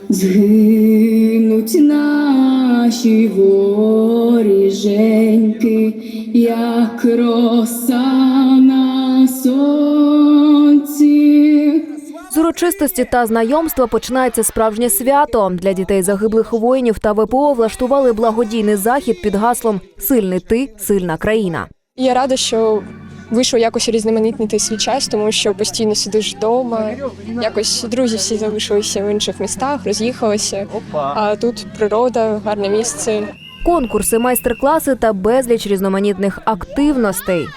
Згинуть наші воріженьки, як роса на сонці. З урочистості та знайомства починається справжнє свято. Для дітей загиблих воїнів та ВПО влаштували благодійний захід під гаслом «Сильний ти, сильна країна». Я рада, що вийшло якось різноманітнити свій час, тому що постійно сидиш вдома. Якось друзі всі залишилися в інших містах, роз'їхалися. А тут природа, гарне місце. Конкурси, майстер-класи та безліч різноманітних активностей.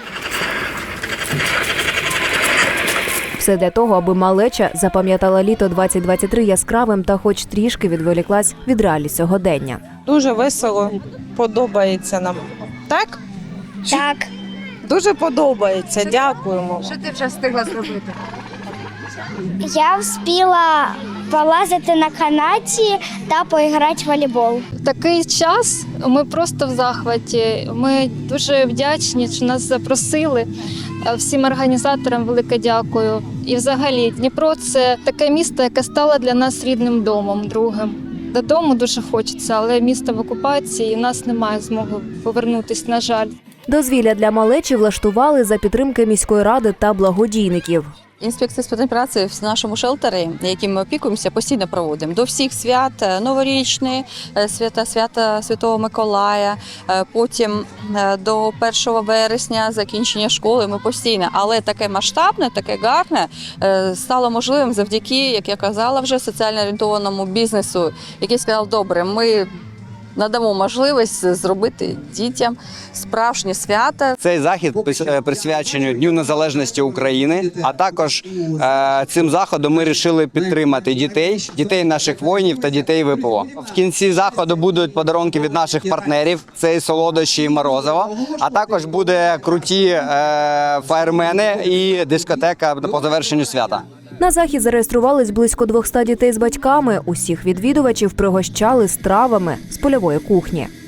Все для того, аби малеча запам'ятала літо 2023 яскравим та хоч трішки відволіклась від реалій сьогодення. Дуже весело, подобається нам. Так? Так. Дуже подобається, дякуємо. Що ти вже встигла зробити? Я встигла полазити на канаті та поіграти в волейбол. Такий час, ми просто в захваті. Ми дуже вдячні, що нас запросили. Всім організаторам велике дякую. І взагалі Дніпро – це таке місто, яке стало для нас рідним домом, другим. Додому дуже хочеться, але місто в окупації, і в нас немає змоги повернутися, на жаль. Дозвілля для малечі влаштували за підтримки міської ради та благодійників. Інспекція з питань праці в нашому шелтері, яким ми опікуємося, постійно проводимо. До всіх свят, новорічні, свята Святого Миколая, потім до 1 вересня закінчення школи ми постійно. Але таке масштабне, таке гарне стало можливим завдяки, як я казала, вже соціально орієнтованому бізнесу, який сказав, добре, ми надамо можливість зробити дітям справжнє свято. Цей захід присвячений Дню Незалежності України, а також цим заходом ми вирішили підтримати дітей наших воїнів та дітей ВПО. В кінці заходу будуть подарунки від наших партнерів, це і солодощі, і морозиво, а також буде круті фаєрмени і дискотека по завершенню свята. На захід зареєструвались близько 200 дітей з батьками. Усіх відвідувачів пригощали стравами з польової кухні.